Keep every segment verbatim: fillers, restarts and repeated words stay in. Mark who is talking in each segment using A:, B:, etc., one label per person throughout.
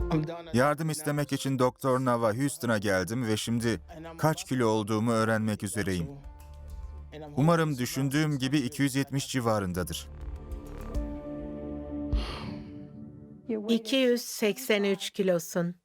A: Yardım istemek için Doktor Nava Houston'a geldim ve şimdi kaç kilo olduğumu öğrenmek üzereyim. Umarım düşündüğüm gibi iki yüz yetmiş civarındadır.
B: iki yüz seksen üç kilosun.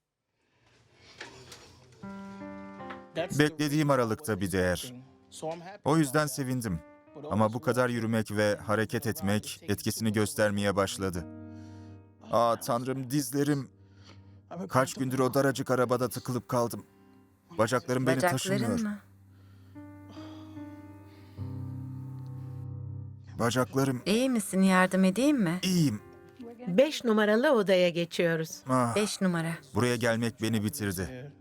A: Beklediğim aralıkta bir değer. O yüzden sevindim. Ama bu kadar yürümek ve hareket etmek etkisini göstermeye başladı. Aa Tanrım, dizlerim. Kaç gündür o daracık arabada tıkılıp kaldım. Bacaklarım beni taşımıyor.
C: Bacakların mı?
A: Bacaklarım.
C: İyi misin? Yardım edeyim mi?
A: İyiyim.
B: Beş numaralı odaya geçiyoruz.
A: Ah,
C: Beş numara.
A: buraya gelmek beni bitirdi.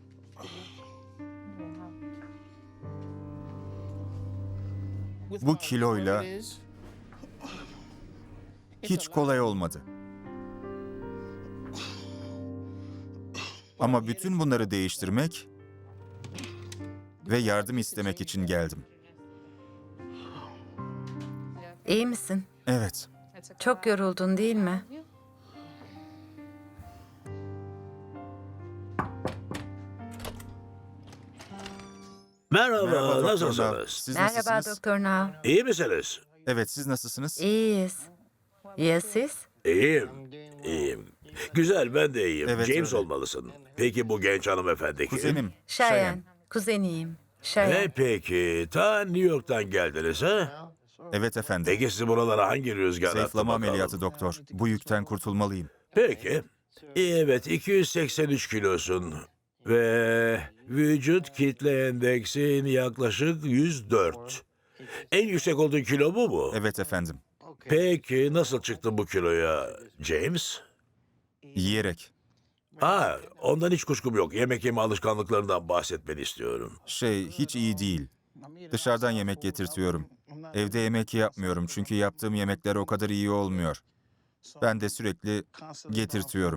A: Bu kiloyla hiç kolay olmadı. Ama bütün bunları değiştirmek ve yardım istemek için geldim.
C: İyi misin?
A: Evet.
C: Çok yoruldun değil mi?
D: Merhaba,
A: Merhaba Doktor Nav.
D: nasılsınız?
A: Siz
C: Merhaba
A: nasılsınız?
C: Doktor Nav.
D: İyi misiniz?
A: Evet, siz nasılsınız?
C: İyiyiz. Ya siz?
D: İyiyim, iyiyim. Güzel, ben de iyiyim.
A: Evet,
D: James
A: öyle.
D: olmalısın. Peki bu genç hanımefendi kim?
A: Kuzenim.
C: Şayan. Kuzeniyim. Şayan.
D: E peki, ta New York'tan geldiniz ha?
A: Evet efendim.
D: Peki sizi buralara hangi rüzgar attı
A: Zayıflama
D: bakalım?
A: ameliyatı doktor. Bu yükten kurtulmalıyım.
D: Peki, evet iki yüz seksen üç kilosun. Ve vücut kitle endeksin yaklaşık yüz dört. En yüksek olduğun kilo bu mu?
A: Evet efendim.
D: Peki nasıl çıktı bu kiloya James?
A: Yiyerek.
D: Ha, ondan hiç kuşkum yok. Yemek yeme alışkanlıklarından bahsetmeni istiyorum.
A: Şey, hiç iyi değil. Dışarıdan yemek getirtiyorum. Evde yemek yapmıyorum çünkü yaptığım yemekler o kadar iyi olmuyor. Ben de sürekli getirtiyorum.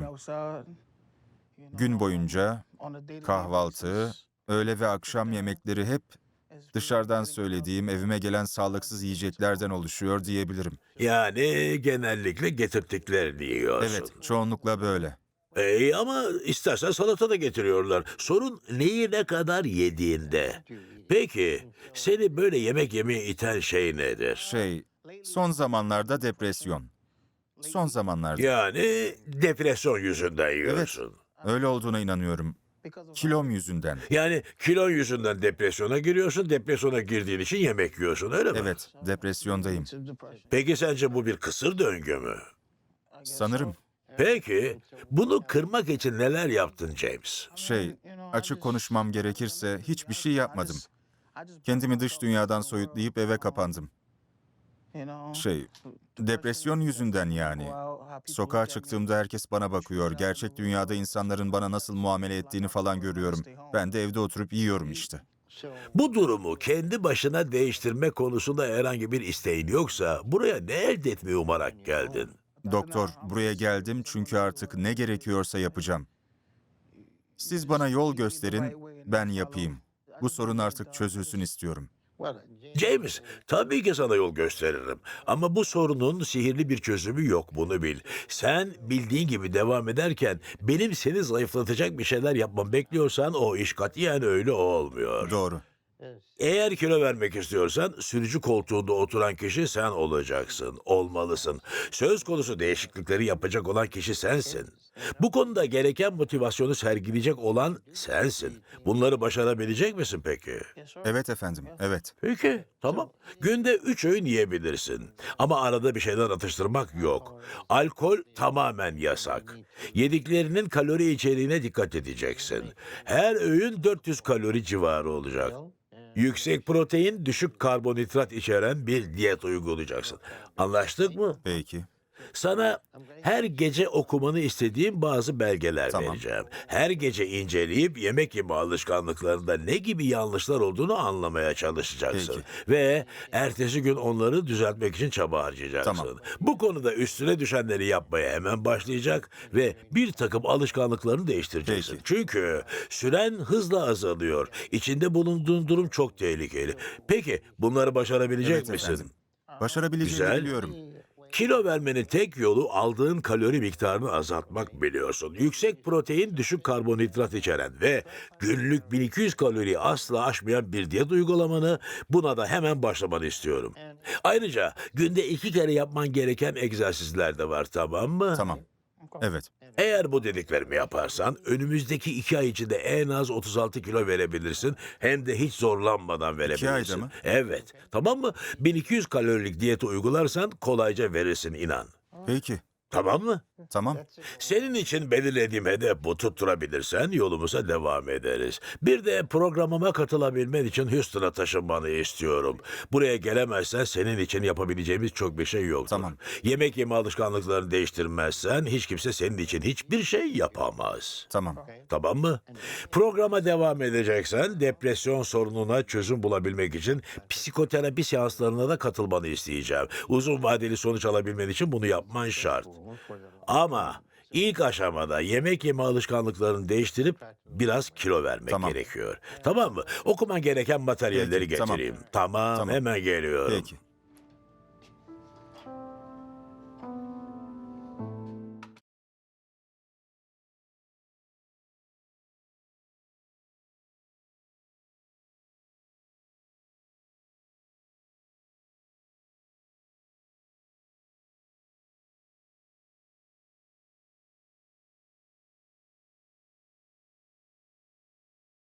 A: Gün boyunca kahvaltı, öğle ve akşam yemekleri hep dışarıdan söylediğim, evime gelen sağlıksız yiyeceklerden oluşuyor diyebilirim.
D: Yani genellikle getirttiklerini yiyorsun.
A: Evet, çoğunlukla böyle.
D: Ee, ama istersen salata da getiriyorlar. Sorun neyi ne kadar yediğinde. Peki, seni böyle yemek yemeye iten şey nedir?
A: Şey, son zamanlarda depresyon. Son zamanlarda.
D: Yani depresyon yüzünden yiyorsun.
A: Öyle olduğuna inanıyorum. Kilom yüzünden.
D: Yani kilon yüzünden depresyona giriyorsun, depresyona girdiğin için yemek yiyorsun, öyle mi?
A: Evet, depresyondayım.
D: Peki sence bu bir kısır döngü mü?
A: Sanırım.
D: Peki, bunu kırmak için neler yaptın James?
A: Şey, açık konuşmam gerekirse hiçbir şey yapmadım. Kendimi dış dünyadan soyutlayıp eve kapandım. Şey, depresyon yüzünden yani. Sokağa çıktığımda herkes bana bakıyor. Gerçek dünyada insanların bana nasıl muamele ettiğini falan görüyorum. Ben de evde oturup yiyorum işte.
D: Bu durumu kendi başına değiştirme konusunda herhangi bir isteğin yoksa buraya ne elde etmeyi umarak geldin?
A: Doktor, buraya geldim çünkü artık ne gerekiyorsa yapacağım. Siz bana yol gösterin, ben yapayım. Bu sorun artık çözülsün istiyorum.
D: James, tabii ki sana yol gösteririm. Ama bu sorunun sihirli bir çözümü yok, bunu bil. Sen bildiğin gibi devam ederken benim seni zayıflatacak bir şeyler yapmamı bekliyorsan o iş katiyen öyle olmuyor.
A: Doğru.
D: Eğer kilo vermek istiyorsan sürücü koltuğunda oturan kişi sen olacaksın, olmalısın. Söz konusu değişiklikleri yapacak olan kişi sensin. Bu konuda gereken motivasyonu sergileyecek olan sensin. Bunları başarabilecek misin peki?
A: Evet efendim, evet.
D: Peki, tamam. Günde üç öğün yiyebilirsin. Ama arada bir şeyler atıştırmak yok. Alkol tamamen yasak. Yediklerinin kalori içeriğine dikkat edeceksin. Her öğün dört yüz kalori civarı olacak. Yüksek protein, düşük karbonhidrat içeren bir diyet uygulayacaksın. Anlaştık mı?
A: Peki.
D: Sana her gece okumanı istediğim bazı belgeler
A: Tamam.
D: vereceğim. Her gece inceleyip yemek yeme alışkanlıklarında ne gibi yanlışlar olduğunu anlamaya çalışacaksın.
A: Peki.
D: Ve ertesi gün onları düzeltmek için çaba harcayacaksın.
A: Tamam.
D: Bu konuda üstüne düşenleri yapmaya hemen başlayacak ve bir takım alışkanlıklarını değiştireceksin.
A: Peki.
D: Çünkü süren hızla azalıyor. İçinde bulunduğun durum çok tehlikeli. Peki bunları başarabilecek
A: Evet
D: misin?
A: efendim. Başarabileceğimi
D: Güzel.
A: biliyorum.
D: Kilo vermenin tek yolu aldığın kalori miktarını azaltmak biliyorsun. Yüksek protein, düşük karbonhidrat içeren ve günlük bin iki yüz kaloriyi asla aşmayan bir diyet uygulamanı, buna da hemen başlamanı istiyorum. Ayrıca günde iki kere yapman gereken egzersizler de var, tamam mı?
A: Tamam. Evet.
D: Eğer bu dediklerimi yaparsan önümüzdeki iki ay içinde en az otuz altı kilo verebilirsin. Hem de hiç zorlanmadan verebilirsin.
A: ayda mı?
D: Evet. Tamam mı? bin iki yüz kalorilik diyeti uygularsan kolayca verirsin, inan.
A: Peki.
D: Tamam mı?
A: Tamam.
D: Senin için belirlediğim hedef bu. Tutturabilirsen yolumuza devam ederiz. Bir de programıma katılabilmen için Houston'a taşınmanı istiyorum. Buraya gelemezsen senin için yapabileceğimiz çok bir şey yoktur.
A: Tamam.
D: Yemek yeme alışkanlıklarını değiştirmezsen hiç kimse senin için hiçbir şey yapamaz.
A: Tamam.
D: Tamam mı? Programa devam edeceksen depresyon sorununa çözüm bulabilmek için psikoterapi seanslarına da katılmanı isteyeceğim. Uzun vadeli sonuç alabilmen için bunu yapman şart. Ama ilk aşamada yemek yeme alışkanlıklarını değiştirip biraz kilo vermek
A: Tamam.
D: gerekiyor. Tamam mı? Okuman gereken materyalleri
A: Peki, tamam.
D: getireyim. Tamam,
A: Tamam.
D: hemen geliyorum.
A: Peki.